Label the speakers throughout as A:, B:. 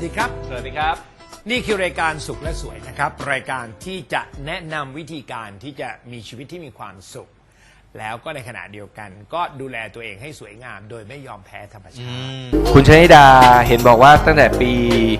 A: ดีครับ
B: สวัสดีครับ
A: นี่คือรายการสุขและสวยนะครับ รายการที่จะแนะนำวิธีการที่จะมีชีวิตที่มีความสุข แล้วก็ในขณะเดียวกันก็ดูแลตัวเองให้สวยงามโดยไม่ยอมแพ้ธรรมชาติ
B: คุณชนิดาเห็นบอกว่าตั้งแต่ปี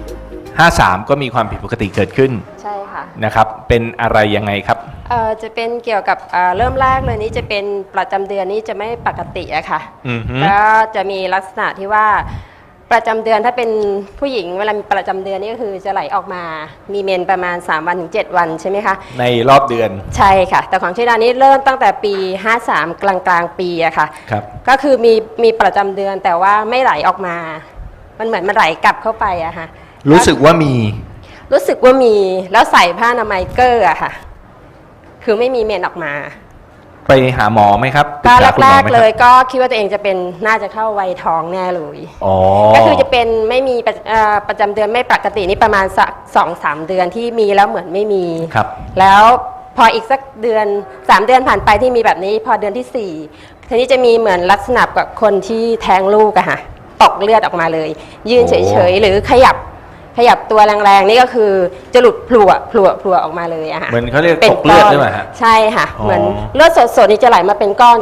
B: 53 ก็มีความผิดปกติเกิดขึ้น
C: ใช่ค่ะ
B: นะครับ เป็นอะไรยังไงครับ
C: จะเป็นเกี่ยวกับเริ่มแรกเลยนี้จะเป็นประจำเดือนนี้จะไม่ปกติอะค่ะ
B: อือฮึ
C: แล้วจะมีลักษณะที่ว่าประจำเดือนถ้าเป็นผู้หญิงเวลามีประจำเดือนนี่ก็คือจะไหลออกมามีเมนประมาณ3วันถึง7วันใช่ไหมคะ
B: ในรอบเดือน
C: ใช่ค่ะ แต่ของชิดานี้เริ่มตั้งแต่ปี 53 กลางปีอะค่ะ
B: ครับ
C: ก็คือมีประจำเดือนแต่ว่าไม่ไหลออกมา มันเหมือนมันไหลกลับเข้าไปอะค่ะ
B: รู้สึกว่ามี
C: รู้สึกว่ามีแล้วใส่ผ้าอนามัยเกอร์อะค่ะ คือไม่มีเมนออกมา
B: ไปหาหมอไหมครับ
C: ก็
B: ปรึษาคุณห
C: แร
B: มอก ไหม
C: ๆ
B: ค
C: เล
B: รับ
C: ยก็คิดว่าตัวเองจะเป็นน่าจะเข้าวัยท้องแน่เลย
B: อ๋อ
C: ก็คือจะเป็นไม่มีประจำเดือนไม่ปกตินี่ประมาณสัก2-3 เดือนที่มีแล้วเหมือนไม่มี
B: ครับ
C: แล้วพออีกสักเดือน3 เดือนผ่านไปที่มีแบบนี้ พอเดือนที่4ทีนี้จะมีเหมือนลักษณะกับคนที่แท้งลูกอะค่ะตกเลือดออกมาเลย ยืนเฉยๆหรือขยับตัวแรงๆนี่ก็คือจะหลุดพลัวออกมาเลยอะค่ะ
B: เหมือนเขาเรียก
C: ป็น
B: ตกเลือดใช่ไหมฮะ
C: ใช่ค่ะ
B: อ๋อ
C: เหมือนเลือดสดๆนี่จะไหลมาเป็นก้อน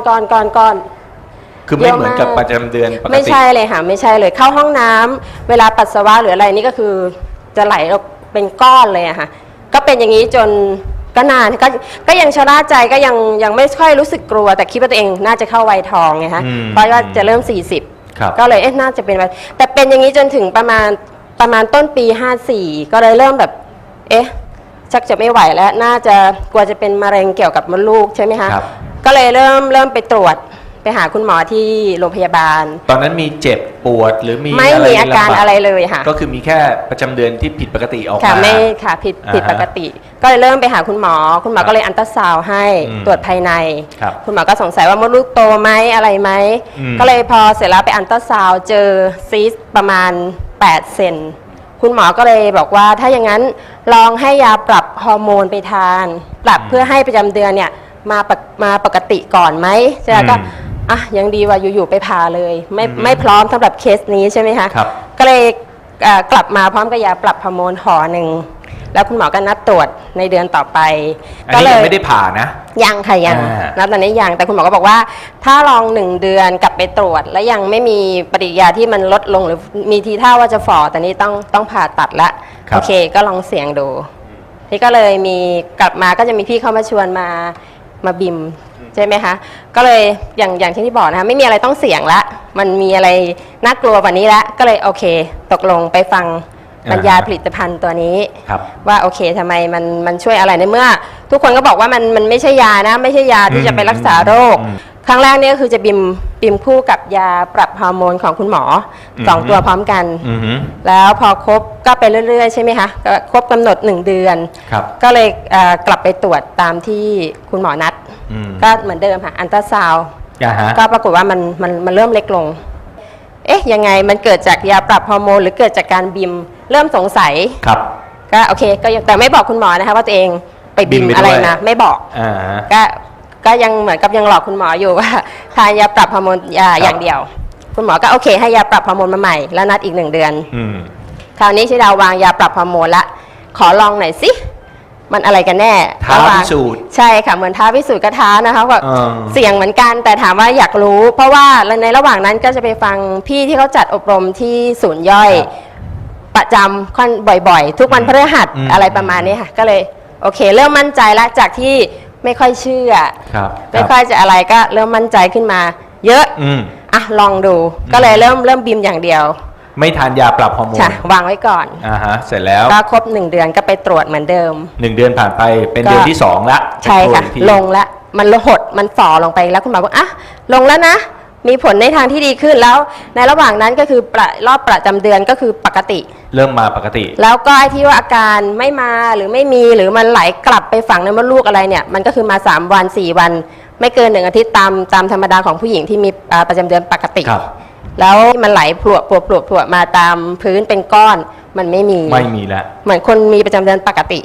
B: คือไม่เหมือนกับประจำเดือนปกติ
C: ไม่ใช่เลยค่ะไม่ใช่เลยเข้าห้องน้ำเวลาปัสสาวะหรืออะไรนี่ก็คือจะไหลออกเป็นก้อนเลยอะค่ะก็เป็นอย่างนี้จนก็นานก็ยังชะล่าใจก็ยังไม่ค่อยรู้สึกกลัว แต่คิดว่าตัวเองน่าจะเข้าวัยทองไงคะเพราะว่าจะเริ่ม40
B: ครับ
C: ก็เลยน่าจะเป็นวัยแต่เป็นอย่างนี้จนถึงประมาณต้นปี54ก็เลยเริ่มแบบชักจะไม่ไหวแล้วน่าจะกลัวจะเป็นมะเร็งเกี่ยวกับมดลูกใช่ไหมคะ
B: ครับ
C: ก็เลยเริ่มไปตรวจไปหาคุณหมอที่โรงพยาบาล
B: ตอนนั้นมีเจ็บปวดหรือมี
C: ไม่มีอาการ
B: ลำบ
C: อะไรเลยค่ะ
B: ก็คือมีแค่ประจำเดือนที่ผิดปกติออก
C: ค่ะ
B: มา
C: ไม่ค่ะผิด
B: อ่าฮะ
C: ปกติ ก็เลยเริ่มไปหาคุณหมอก็เลยอัลตราซาวด์ให้
B: อืม
C: ตรวจภายใน
B: ครับ
C: คุณหมอก็สงสัยว่ามดลูกโตไหมอะไรไหม
B: อืม
C: ก็เลยพอเสร็จแล้วไปอัลตราซาวด์เจอซีสต์ประมาณ8 เซนคุณหมอก็เลยบอกว่าถ้าอย่างนั้นลองให้ยาปรับฮอร์โมนไปทานปรับเพื่อให้ประจำเดือนเนี่ยมาปกติก่อนไหมใช่ไหมก็ยังดีว่าอยู่ๆไปผ่าเลยไม่พร้อมสำหรับเคสนี้ใช่ไหมคะ
B: ครับ
C: ก็เลยกลับมาพร้อมกับยาปรับฮอร์โมนห่อหนึ่งแล้วคุณหมอก็นัดตรวจในเดือนต่อไป
B: อันนี้ยังไม่ได้ผ่านะ
C: ยังค่ะยัง
B: อ่า
C: ตอนนี้ยังแต่คุณหมอก็บอกว่า ถ้าลอง1 เดือนกลับไปตรวจ แล้วยังไม่มีปฏิกิริยาที่มันลดลงหรือมีทีท่าว่าจะฝ่อแต่นี้ต้องผ่าตัดละโอเคก็ลองเสี่ยงดูนี่ก็เลยมีกลับมาก็จะมีพี่เข้ามาชวนมาบิมใช่ไหมคะก็เลยอย่างที่บอกนะคะไม่มีอะไรต้องเสี่ยงละมันมีอะไรน่ากลัวกว่านี้ละก็เลยโอเค ตกลงไปฟังบรรยายผลิตภัณฑ์ตัวนี้
B: ครับ
C: ว่าโอเคทำไมมันช่วยอะไรในเมื่อ ทุกคนก็บอกว่ามันไม่ใช่ยานะไม่ใช่ยาที่จะไปรักษาโรค ครั้งแรกเนี่ยก็คือจะบิมคู่กับยาปรับฮอร์โมนของคุณหมอ2 ตัวพร้อมกัน
B: อือฮึ
C: แล้วพอครบก็ไปเรื่อยๆใช่ไหมคะก็ครบกำหนด1 เดือน
B: ครับ
C: ก็เลยกลับไปตรวจตามที่คุณหมอนัด
B: อืม
C: ก็เหมือนเดิมค่ะอันตราซาวด์
B: ฮะ
C: ก็ปรากฏว่ามันเริ่มเล็กลงยังไงมันเกิดจากยาปรับฮอร์โมนหรือเกิดจากการบิมเริ่มสงสัย
B: ครับ
C: ก็โอเคก็ยังแต่ไม่บอกคุณหมอนะคะว่าตัวเองไปบิม
B: บิมไปด้วย
C: อะไรมาไม่บอก
B: อ่า
C: ก็ยังเหมือนกับยังหลอกคุณหมออยู่ว่าทานยาปรับฮอร์โมนอย่างเดียว คุณหมอก็โอเคให้ยาปรับฮอร์โมนมาใหม่แล้วนัดอีก1 เดือน
B: อืม
C: คราวนี้ชิดาวางยาปรับฮอร์โมนละขอลองหน่อยสิมันอะไรกันแน่
B: ท้า
C: ระหว่
B: พิสูจน์
C: ใช่ค่ะเหมือนท้าพิสูจน์ก็ท้านะคะว่า
B: อ่า
C: เสี่ยงเหมือนกันแต่ถามว่าอยากรู้ เพราะว่าในระหว่างนั้นก็จะไปฟังพี่ที่เขาจัดอบรมที่ศูนย์ย่อย ประจำค่อนบ่อยๆ ทุกวันพฤหัสอะไรประมาณนี้ค่ะก็เลยโอเค เริ่มมั่นใจแล้วจากที่ไม่ค่อยเชื่อ
B: ครับ
C: ไม่ค่อยจะอะไรก็เริ่มมั่นใจขึ้นมา เยอะ
B: อืม
C: ลองดูก็เลยเริ่มบิมอย่างเดียว
B: ไม่ทานยาปรับฮอร์โมน
C: ค่ะวางไว้ก่อน
B: เสร็จแล้ว
C: ก็ครบ1 เดือนก็ไปตรวจเหมือนเดิม
B: 1 เดือนผ่านไปเป็นเดือนที่2ละ
C: ใช่ค่ะ
B: ไปตรวจอีกที
C: ลงแล้วมันหดมันฝ่อลงไปแล้วคุณหมอบอกลงแล้วนะ มีผลในทางที่ดีขึ้นแล้ว ในระหว่างนั้นก็คือรอบประจำเดือนก็คือปกติ
B: เริ่มมาปกติ
C: แล้วก็ไอ้ที่ว่าอาการไม่มาหรือไม่มีหรือมันไหลกลับไปฝังในมดลูกอะไรเนี่ยมันก็คือมา3 วัน 4 วัน ไม่เกิน1 อาทิตย์ตามธรรมดาของผู้หญิงที่มีประจำเดือนปกติ
B: ครับ
C: แล้วมันไหลพลวมาตามพื้นเป็นก้อนมันไม่มี
B: ไม่มีแล้ว
C: เหมือนคนมีประจำเดือนปกติ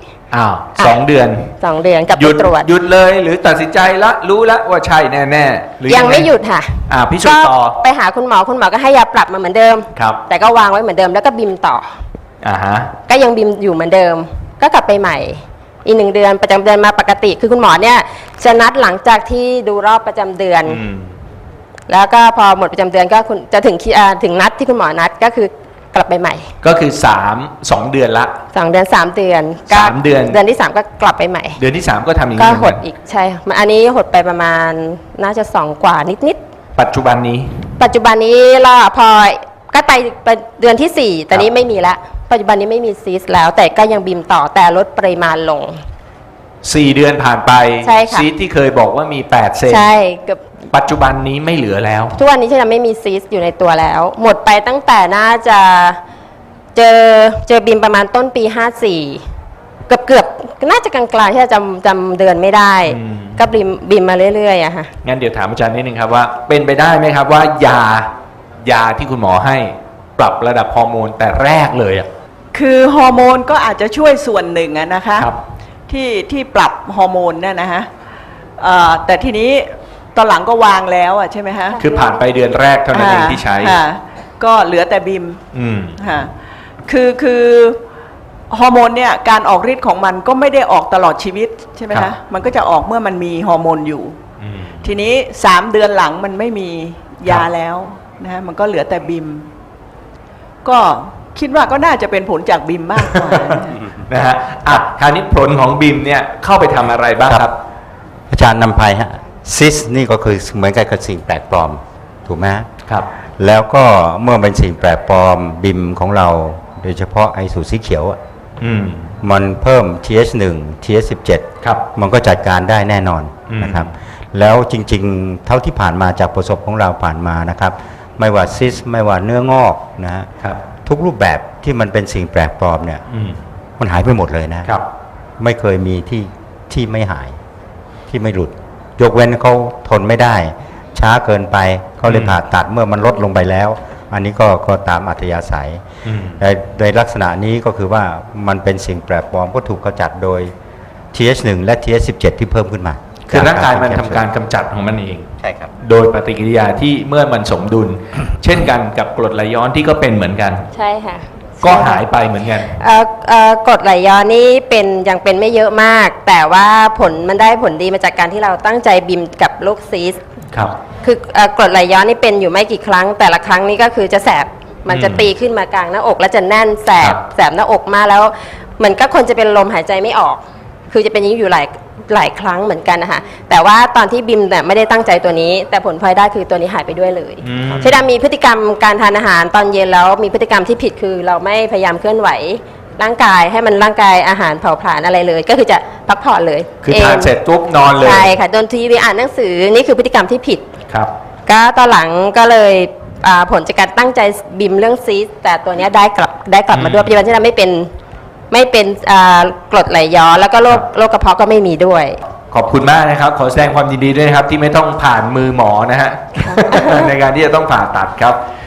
B: 2 เดือน
C: 2 เดือนกลับ
B: ห
C: ไป
B: ยุด
C: ตรวจ
B: หยุดเลยหรือตัดสินใจละรู้แล้วว่าใช่แน่ๆหรือ
C: ยังไม่หยุดค่ะ
B: พิสูจน์ต่อ
C: ก็ไปหาคุณหมอก็ให้ยาปรับมาเหมือนเดิม
B: ครับ
C: แต่ก็วางไว้เหมือนเดิมแล้วก็บิมต่อ
B: อ่าฮะ
C: ก็ยังบิมอยู่เหมือนเดิม ก็กลับไปใหม่ อีก1 เดือนประจำเดือนมาปกติ คือคุณหมอเนี่ยจะนัดหลังจากที่ดูรอบประจำเดือน แล้วก็พอหมดประจำเดือนก็คุณจะถึงนัดที่คุณหมอนัดก็คือกลับไปใหม่
B: ก็คือ2 เดือนละ
C: 2 เดือน3 เดือนก็
B: 3 เดือน
C: เดือนที่ 3 ก็กลับไปใหม่
B: เดือนที่ 3 ก็ทำอย่าง
C: ก็
B: นี้เห
C: ห
B: มือ
C: ด
B: นกัน
C: อีกใช่ค่ะอันนี้หดไปประมาณน่าจะ2 กว่านิด
B: ปัจจุบันนี้
C: ๆปัจจุบันนี้เราพอก็ไปเดือนที่ 4 แต่นี้ไม่มีละปัจจุบันนี้ไม่มีซีสต์แล้ว แต่ก็ยังบิมต่อแต่ลดปริมาณลง
B: 4 เดือนผ่านไป
C: ใช่ค่ะ
B: ซีสที่เคยบอกว่ามี8 เซน
C: ใช่เกือบ
B: ปัจจุบันนี้ไม่เหลือแล้ว
C: ทุกวันนี้ฉันจะไม่มีซีสต์อยู่ในตัวแล้ว หมดไปตั้งแต่น่าจะเจอบิมประมาณต้นปี 54 เกือบน่าจะกลางๆที่จำเดือนไม่ได้ ก็บิมมาเรื่อยๆอะค่ะ
B: งั้นเดี๋ยวถามอาจารย์นิดนึงครับว่าเป็นไปได้ไหมครับว่ายาที่คุณหมอให้ปรับระดับฮอร์โมนแต่แรกเลยอ่ะ
D: คือฮอร์โมนก็อาจจะช่วยส่วนหนึ่งอะนะคะ
B: ครับ
D: ที่ปรับฮอร์โมนเนี่ยนะฮะแต่ทีนี้ตอนหลังก็วางแล้วอะใช่ไหมฮะ
B: คือผ่านไปเดือนแรกเท่านั้นเองที่ใช้
D: ค่ะก็เหลือแต่บิม
B: อืม
D: ค่ะคือฮอร์โมนเนี่ยการออกฤทธิ์ของมันก็ไม่ได้ออกตลอดชีวิตใช่ไหม
B: ครั
D: คะ
B: บ
D: มันก็จะออกเมื่อมันมีฮอร์โมนอยู่
B: อืม
D: ทีนี้3 เดือนหลังมันไม่มียาแล้วนะฮะมันก็เหลือแต่บิม ก็คิดว่าก็น่าจะเป็นผลจากบิมมากกว่านะฮะ
B: นะฮะอ่ะคราวนี้ผลของบิมเนี่ยเข้าไปทำอะไรบ้างครับ
E: อาจารย์นำภัยฮะซิสนี่ก็คือเหมือนกับสิ่งแปลกปลอมถูกไหมฮะ
B: ครับ
E: แล้วก็เมื่อเป็นสิ่งแปลกปลอมบิมของเราโดยเฉพาะไอสูตรสีเขียวอะ
B: อืม
E: มันเพิ่ม TH1 TH17
B: ครับ
E: มันก็จัดการได้แน่นอน
B: อืม
E: นะครับแล้วจริงๆ เท่าที่ผ่านมาจากประสบของเราผ่านมานะครับไม่ว่าซิสไม่ว่าเนื้องอกนะฮะ
B: ครับ
E: ทุกรูปแบบที่มันเป็นสิ่งแปลกปลอมเนี่ย
B: อืม
E: มันหายไปหมดเลยนะ
B: ครับ
E: ไม่เคยมีที่ไม่หายที่ไม่หลุด ยกเว้นเขาทนไม่ได้ ช้าเกินไปเขาเลยผ่าตัดเมื่อมันลดลงไปแล้ว อันนี้ก็ตามอัธยาศัย
B: อืม
E: ในลักษณะนี้ก็คือว่ามันเป็นสิ่งแปลกปลอมก็ถูกกำจัดโดย TH1 และ TH17 ที่เพิ่มขึ้นมา
B: คือร่างกายมันทำการกำจัดของมันเอง
E: ใช่ครับ
B: โดยปฏิกิริยาที่เมื่อมันสมดุล เช่นกันกับกรดไหลย้อนที่ก็เป็นเหมือนกัน
C: ใช่ค่ะ
B: ก็หายไปเหมือนกัน
C: กรดไหลย้อนนี่ยังเป็นไม่เยอะมาก แต่ว่ามันได้ผลดีมาจากการที่เราตั้งใจบิมกับโรคซีสต์
B: ครับ
C: คือกรดไหลย้อนนี่เป็นอยู่ไม่กี่ครั้ง แต่ละครั้งนี่ก็คือจะแสบมันจะตีขึ้นมากลางหน้าอก แล้วจะแน่นแส
B: ครับ บ
C: แสบหน้าอกมากแล้วเหมือนก็คนจะเป็นลมหายใจไม่ออก คือจะเป็นอย่างนี้อยู่หลายครั้งเหมือนกันนะคะแต่ว่าตอนที่บิมเนี่ยไม่ได้ตั้งใจตัวนี้ แต่ผลพลอยได้คือตัวนี้หายไปด้วยเลย
B: อืม
C: เชดามีพฤติกรรมการทานอาหารตอนเย็นแล้วมีพฤติกรรมที่ผิดคือเราไม่พยายามเคลื่อนไหวร่างกายให้มันร่างกายอาหารเผาผลาญอะไรเลย ก็คือจะพักผ่อนเลย
B: คือทานเสร็จปุ๊บนอนเลย
C: ใช่ค่ะโดนทีวีอ่านหนังสือนี่คือพฤติกรรมที่ผิด
B: ครับ
C: ก็ตอนหลังก็เลยผลจากการตั้งใจบิมเรื่องซีสต์แต่ตัวเนี้ยได้กลับมาด้วยปัจจุบันที่เราไม่เป็นกรดไหลย้อนแล้วก็โรคกระเพาะก็ไม่มีด้วย
B: ขอบคุณมากนะครับ ขอแสดงความยินดีด้วยนะครับ ที่ไม่ต้องผ่านมือหมอนะฮะ ในการที่จะต้องผ่าตัดครับ